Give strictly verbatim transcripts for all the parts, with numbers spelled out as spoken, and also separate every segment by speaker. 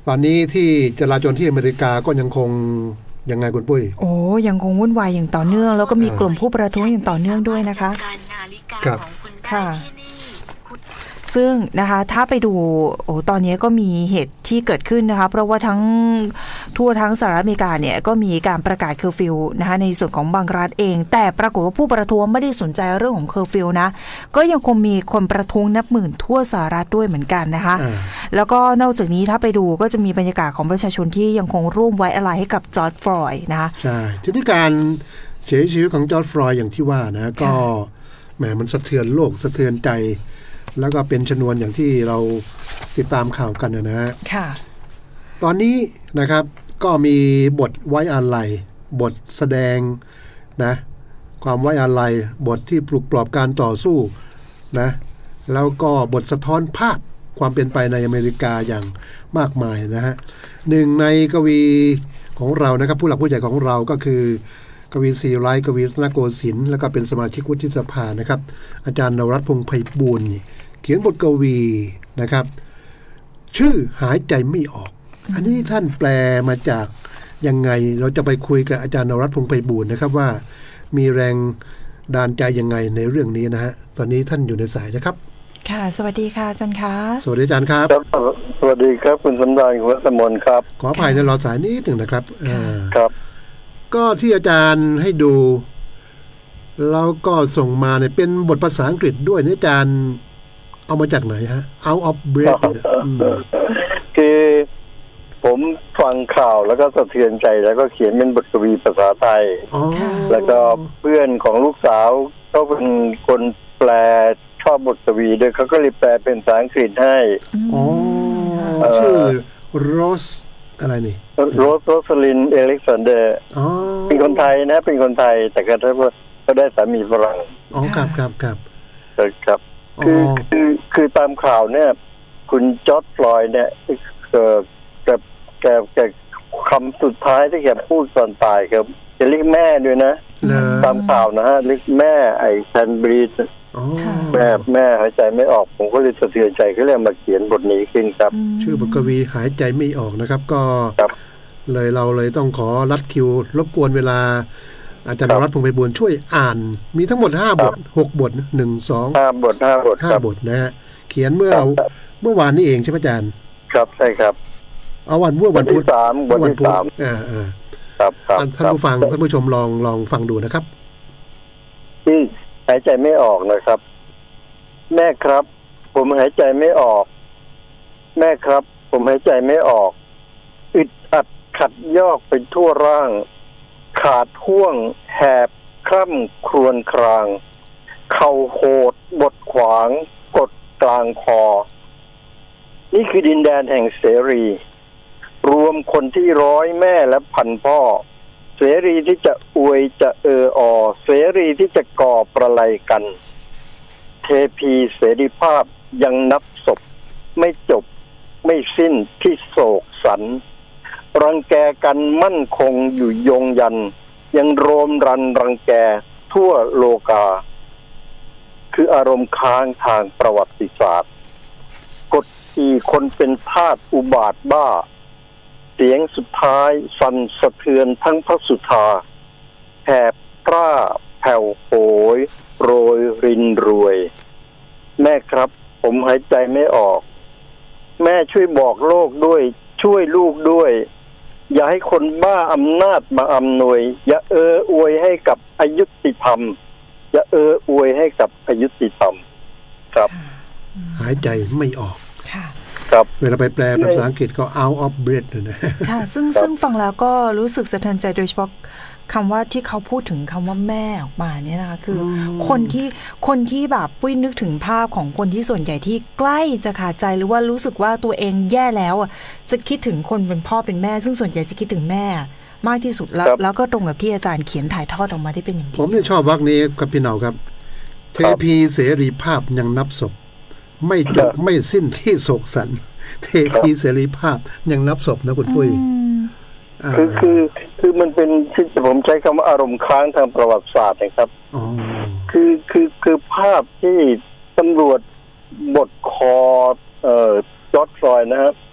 Speaker 1: ตอนนี้ที่จราจรที่อเมริกาก็ยังคงยังไงคุณปุ้ย
Speaker 2: โอ้ยังคงวุ่นวายอย่างต่อเนื่องแล้วก็มีกลุ่มผู้ประท้วงอย่างต่อเนื่องด้วยนะคะ
Speaker 1: ครับ
Speaker 2: ค่ะซึ่งนะคะถ้าไปดูโอ้ตอนนี้ก็มีเหตุที่เกิดขึ้นนะคะเพราะว่าทั้งทั่วทั้งสหรัฐอเมริกาเนี่ยก็มีการประกาศเคอร์ฟิวนะคะในส่วนของบางรัฐเองแต่ปรากฏว่าผู้ประท้วงไม่ได้สนใจเรื่องของเคอร์ฟิวนะก็ยังคงมีคนประท้วงนับหมื่นทั่วสหรัฐด้วยเหมือนกันนะคะแล้วก็นอกจากนี้ถ้าไปดูก็จะมีบรรยากาศของประชาชนที่ยังคงร่วมไว้อาลัยให้กับจอร์จฟลอยด์นะคะ
Speaker 1: ใช่ที่ที่การเสียชีวิตของจอร์จฟลอยด์อย่างที่ว่านะก็แหมมันสะเทือนโลกสะเทือนใจแล้วก็เป็นชนวนอย่างที่เราติดตามข่าวกันนะฮะ
Speaker 2: ค่ะ
Speaker 1: ตอนนี้นะครับก็มีบทไว้อาลัยบทแสดงนะความไว้อาลัยบทที่ปลุกปลอบการต่อสู้นะแล้วก็บทสะท้อนภาพความเป็นไปในอเมริกาอย่างมากมายนะฮะหนึ่งในกวีของเรานะครับผู้หลักผู้ใหญ่ของเราก็คือกวีศรีไร้กวีรัตนโกสินทร์แล้วก็เป็นสมาชิกวุฒิสภานะครับอาจารย์นวรัตน์พงษ์ไพบูลย์เขียนบทกวีนะครับชื่อหายใจไม่ออกอันนี้ท่านแปลมาจากยังไงเราจะไปคุยกับอาจารย์นวรัตน์พงษ์ไพบูลย์นะครับว่ามีแรงดานใจยังไงในเรื่องนี้นะฮะตอนนี้ท่านอยู่ในสายนะครับ
Speaker 2: ค่ะสวัสดีค่ะอาจารย์คะ
Speaker 1: สวัสดีอาจารย์ครับ
Speaker 3: สวัสดีครับคุณสำราญคุณสมนครับ
Speaker 1: ขออภัยในรอสายนิดหนึ่งนะครับ
Speaker 3: ครับ
Speaker 1: ก็ที่อาจารย์ให้ดูแล้วก็ส่งมาเนี่ยเป็นบทภาษาอังกฤษด้วยเนี่ยอาจารย์เอามาจากไหนฮะ Out of Breath
Speaker 3: คือผมฟังข่าวแล้วก็สะเทือนใจแล้วก็เขียนเป็นบทกวีภาษาไทยแล้วก็เพื่อนของลูกสาวก็เป็นคนแปลชอบบทกวีด้วยเขาก็เลยแปลเป็นภาษาอังกฤษให้
Speaker 1: อ๋อชื่อโรสอะไรนี่
Speaker 3: โรสโรสลินเอเล็กซานเดอร์เป็นคนไทยนะเป็นคนไทยแต่ก็ได้ก็ได้สามีฝรั่ง
Speaker 1: อ๋อครับครับครับ
Speaker 3: ครับคือคือคือตามข่าวเนี่ยคุณจอร์จฟลอยด์เนี่ยเอ่อแกแกแกคำสุดท้ายที่แกพูดตอนตายครับจะเรียกแม่ด้วยนะตามข่าวนะฮะเรียกแม่ไอ้แคนบรีดแม่แม่หายใจไม่ออกผมก็เลยสะเทือนใจก็เลยมาเขียนบทนี้ขึ้นครับ
Speaker 1: ชื่อบทกวีหายใจไม่ออกนะครับก็เลยเราเลยต้องขอรัดคิวรบกวนเวลาอาจารย์นวรัตน์พงษ์ไพบูลย์ช่วยอ่านมีทั้งหมดห้าบทหกบทหนึ่ง สอง
Speaker 3: ห้าบทห้าบท
Speaker 1: ห้าบทนะฮะเขียนเมื่อเมื่อวานนี้เองใช่ไหมอาจารย์
Speaker 3: ครับใช่ครับ
Speaker 1: เอาวันเมื่อวันพุธ
Speaker 3: สามวันที่สาม
Speaker 1: อ่าอ่า
Speaker 3: ครับครับ
Speaker 1: ท่านผู้ฟังท่านผู้ชมลองลองฟังดูนะครับ
Speaker 3: ที่หายใจไม่ออกนะครับแม่ครับผมหายใจไม่ออกแม่ครับผมหายใจไม่ออกอึดอัดขัดยอกไปทั่วร่างขาดห่วงแหบคร่ำครวญครางเข่าโหดบดขวางกดกลางคอนี่คือดินแดนแห่งเสรีรวมคนที่ร้อยแม่และพันพ่อเสรีที่จะอวยจะเอออเสรีที่จะก่อประไลกันเทพีเสรีภาพยังนับศพไม่จบไม่สิ้นที่โศกสันรังแกกันมั่นคงอยู่ยงยันยังโรมรันรังแกทั่วโลกาคืออารมณ์ค้างทางประวัติศาสตร์กดขี่คนเป็นทาสอุบาทบ้าเสียงสุดท้ายสั่นสะเทือนทั้งพระสุธาแหบพร่าแผ่วโหยโรยรินรวยแม่ครับผมหายใจไม่ออกแม่ช่วยบอกโลกด้วยช่วยลูกด้วยอย่าให้คนบ้าอำนาจมาอำนวยอย่าเอออวยให้กับอยุติธรรมอย่าเอออวยให้กับอยุติธรรมครับ
Speaker 1: หายใจไม่ออก
Speaker 3: ครับ
Speaker 1: เวลาไปแปลภาษาอังกฤษก็ out of breath นะ
Speaker 2: ค่ะซึ่งซึ่งฟังแล้วก็รู้สึกสะเทือนใจโดยเฉพาะคำว่าที่เขาพูดถึงคำว่าแม่ออกมาเนี่ยนะคะคือคนที่คนที่แบบปุ้ยนึกถึงภาพของคนที่ส่วนใหญ่ที่ใกล้จะขาดใจหรือว่ารู้สึกว่าตัวเองแย่แล้วจะคิดถึงคนเป็นพ่อเป็นแม่ซึ่งส่วนใหญ่จะคิดถึงแม่มากที่สุดแล้วแล้วก็ตรงกับที่อาจารย์เขียนถ่ายทอดออกมาได้เป็นอย่างดี
Speaker 1: ผมเนี่ยชอบวรรคนี้ครับพี่เหนาครับเทพีเสรีภาพยังนับศพไม่จบไม่สิ้นที่โศกสันเทพีเสรีภาพยังนับศพนะคุณปุ้ย
Speaker 3: คือคือคือมันเป็นที่ผมใช้คำว่าอารมณ์ค้างทางประวัติศาสตร์นะครับคือคือคือภาพที่ตำรวจบดคอเอ่อจอร์จฟลอยด์นะครับ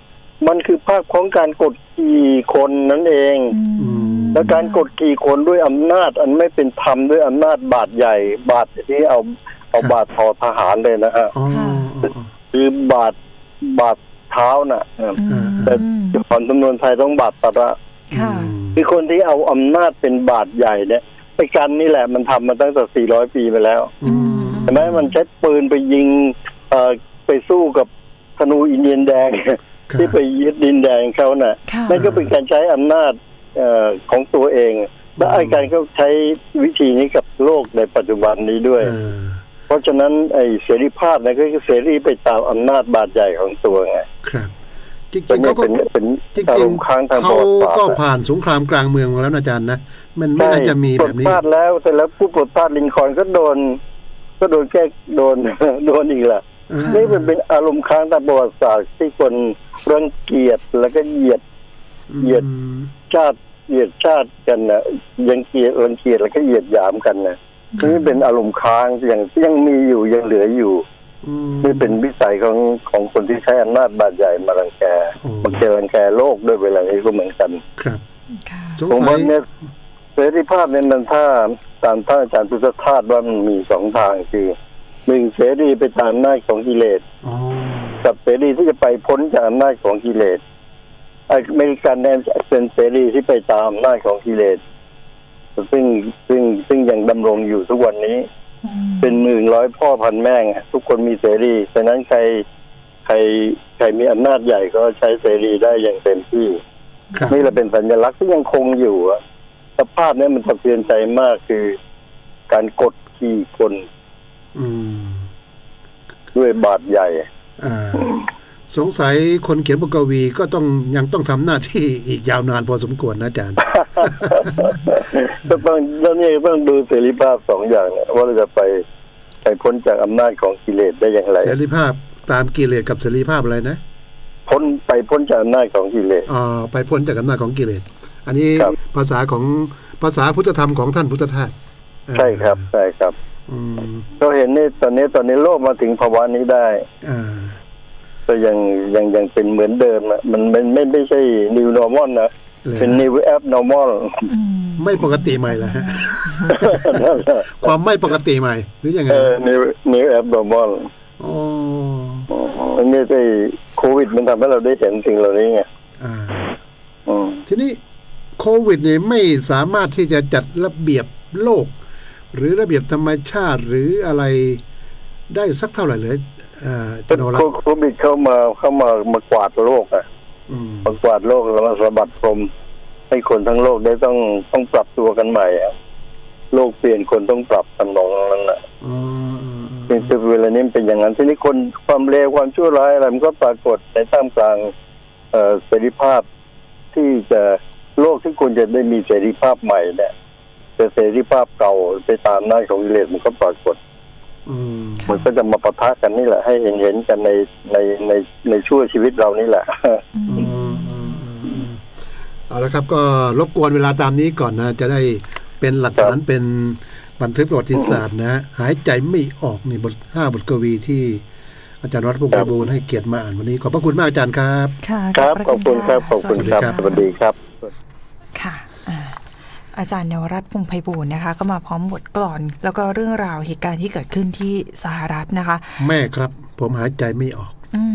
Speaker 3: มันคือภาพของการกดขี่คนนั่นเอง
Speaker 2: อืม
Speaker 3: และการกดขี่คนด้วยอำนาจอันไม่เป็นธรรมด้วยอำนาจบาดใหญ่บาดที่เอาเอาบาดทอทหารเลยนะฮะ
Speaker 1: อ๋อ
Speaker 3: คือบาดบาดเท้าน่ะ
Speaker 2: อืม
Speaker 3: แต่ก่อนจำนวนไทยต้องบาดตะระ
Speaker 2: ค่ะ
Speaker 3: คือคนที่เอาอำนาจเป็นบาดใหญ่เนี่ยไอ้กันนี่แหละมันทำมาตั้งแต่สี่ร้อยปีไปแล้ว
Speaker 1: อืม
Speaker 3: ใช่ไหมมันใช้ปืนไปยิงเอ่อไปสู้กับธนูอินเดียนแดง
Speaker 1: ครับ
Speaker 3: ที่ไปยึดดินแดงเขาน่ะ
Speaker 2: ค่ะ
Speaker 3: นั่นก็เป็นการใช้อำนาจเอ่อของตัวเอง และไอ้การเขาใช้วิธีนี้กับโลกในปัจจุบันนี้ด้วย
Speaker 1: เออ
Speaker 3: เพราะฉะนั้นไอ้เสรีภาพเนี่ยก็คือเสรีไปตามอำนาจบาดใหญ่ของตัวไง
Speaker 1: ครับจริง
Speaker 3: แต่
Speaker 1: ๆ
Speaker 3: เนี่
Speaker 1: เขา
Speaker 3: ย
Speaker 1: ก็
Speaker 3: เป็นเป็น
Speaker 1: จริ
Speaker 3: อาร
Speaker 1: ง
Speaker 3: มณ์ค้างทาง
Speaker 1: ๆ
Speaker 3: ป
Speaker 1: เขา
Speaker 3: ระวัติศาสตร์
Speaker 1: ก็
Speaker 3: นะ
Speaker 1: ผ่านสงครามกลางเมืองมาแล้วนะอาจารย์นะมันไม่
Speaker 3: ใช่
Speaker 1: น่าจะมี
Speaker 3: ป
Speaker 1: แบ
Speaker 3: ลด
Speaker 1: บนี้
Speaker 3: พลาดแล้วแต่แล้วผู้ปลดพลาดลินคอล์นก็โดน ก็โดนแก้โดน โดนอีกแหละ
Speaker 1: เออ
Speaker 3: นี่เป็นเป็นอารมณ์ค้างทางประวัติศาสตร์ที่คนรังเกียจแล้วก็เหยียด เหยียด
Speaker 1: อืม
Speaker 3: ชาติเหยียดชาติกันนะยังเกลียดรังเกียจแล้วก็เหยียดหยามกันนะนี่เป็นอารมณ์ค้างยังยังมีอยู่ยังเหลืออยู่
Speaker 1: อืม
Speaker 3: นี่เป็นวิสัยของของคนที่ใช้อำนาจบาดใหญ่มารังแก
Speaker 1: โอ้
Speaker 3: มาเกรังแกโลกด้วยเวลานี้ก็เหมือนกัน
Speaker 1: ครับ
Speaker 2: ค่ะ
Speaker 1: สง
Speaker 3: ผม
Speaker 1: สั
Speaker 3: ว่าย เนี่ยเสรีภาพเนี่ยมันถ้าตามท่านอาจารย์พุทธทาสว่ามันมีสองทางคือหนึ่งเสรีไปตามอำนาจของกิเลส
Speaker 1: อ๋อ
Speaker 3: กับเสรีที่จะไปพ้นจากอำนาจของกิเลสอเมริกันเนี่ยเป็นเสรีที่ไปตามอำนาจของกิเลสซึ่งซึ่งซึ่งยังดำรงอยู่ทุกวันนี้
Speaker 2: อืม
Speaker 3: เป็นหมื่นร้อยพ่อพันแม่งทุกคนมีเสรีฉะนั้นใครใครใครมีอำนาจใหญ่ก็ใช้เสรีได้อย่างเต็มที่
Speaker 1: ครับ
Speaker 3: นี่แหละเป็นสัญลักษณ์ที่ยังคงอยู่อะสภาพนี้มันสะเทือนใจมากคือการกดขี่คน
Speaker 1: อืม
Speaker 3: ด้วยบาดใหญ่
Speaker 1: อ่าสงสัยคนเขียนบทกวีก็ต้องยังต้องทำหน้าที่อีกยาวนานพอสมควรนะอาจารย์
Speaker 3: ก็ต้องแล้วนี่ต้องดูเสรีภาพสองอย่างเนี่ยว่าเราจะไปไปพ้นจากอำนาจของกิเลสได้อย่างไร
Speaker 1: เสรีภาพตามกิเลสกับเสรีภาพอะไรนะ
Speaker 3: พ้นไปพ้นจากอำนาจของกิเลส
Speaker 1: อ่าไปพ้นจากอำนาจของกิเลสอันนี้
Speaker 3: ครับ
Speaker 1: ภาษาของภาษาพุทธธรรมของท่านพุทธทาสเออ
Speaker 3: ใช่ครับใช่ครับ
Speaker 1: อืม
Speaker 3: เราเห็นนี่ตอนนี้ตอนนี้โลกมาถึงภาวะนี้ได้
Speaker 1: อ่า
Speaker 3: ก็ยังยังยังเป็นเหมือนเดิมอะมันไม่ไม่ไม่ใช่ new normal นะ
Speaker 1: เลย
Speaker 3: เป็น new abnormal
Speaker 2: อืม
Speaker 1: ไม่ปกติใหม่เหรอฮะ ความไม่ปกติใหม่หรือยังไง
Speaker 3: เออ new new abnormal
Speaker 1: อ๋อ
Speaker 3: อันนี้ไอ้โควิดมันทำให้เราได้เห็นสิ่งเหล่านี้ไง
Speaker 1: อ่า
Speaker 3: อืม
Speaker 1: ทีนี้โควิดเนี่ยไม่สามารถที่จะจัดระเบียบโลก หรือระเบียบธรรมชาติหรืออะไรได้สักเท่าไหร่เลยเอ่อจันโนรัตน์
Speaker 3: โควิดเข้ามาเข้ามามากวาดโลกอ่ะ
Speaker 1: อืม
Speaker 3: มากวาดโลกแล้วมาสะบัดพรมให้คนทั้งโลกได้ต้องต้องปรับตัวกันใหม่อะโลกเปลี่ยนคนต้องปรับทำนองนั้นแหละ
Speaker 1: อืมอืมอืม
Speaker 3: เป็นเวลานี้เป็นอย่างนั้นทีนี้คนความเลวความชั่วร้ายอะไรมันก็ปรากฏในท่ามกลางเอ่อเสรีภาพที่จะโลกที่ควรจะได้มีเสรีภาพใหม่เนี่ยแต่เสรีภาพเก่าไปตามหน้าจของกิเลสมันก็ปรากฏ
Speaker 1: อืม
Speaker 3: มันก็จะมาปะทะกันนี่แหละให้เห็นเห็นกันในในในในชั่วชีวิตเรานี่แหละ
Speaker 1: อืมอืมอืมอืมเอาละครับก็รบกวนเวลาตามนี้ก่อนนะ จะได้เป็นหลักฐานเป็นบันทึกประวัติศาสตร์นะ หายใจไม่ออกนี่บทห้าบทกวีที่อาจารย์วัฒน์พงษ์ไพบูลย์ให้เกียรติมาอ่านวันนี้ขอบพระคุณมากอาจารย์ครับ
Speaker 2: ค่ะ
Speaker 3: ครับ
Speaker 2: พะ
Speaker 3: ขอบคุณครับขอบคุณครับ
Speaker 1: สวัสดีครับ
Speaker 3: สวัสดีครับ
Speaker 2: ค่ะอ่าอาจารย์เนวรัตน์พงษ์ไพบูลย์นะคะ ก็มาพร้อมบทกลอน แล้วก็เรื่องราวเหตุการณ์ที่เกิดขึ้นที่สหรัฐนะคะ
Speaker 1: แม่ครับ ผมหายใจไม่ออก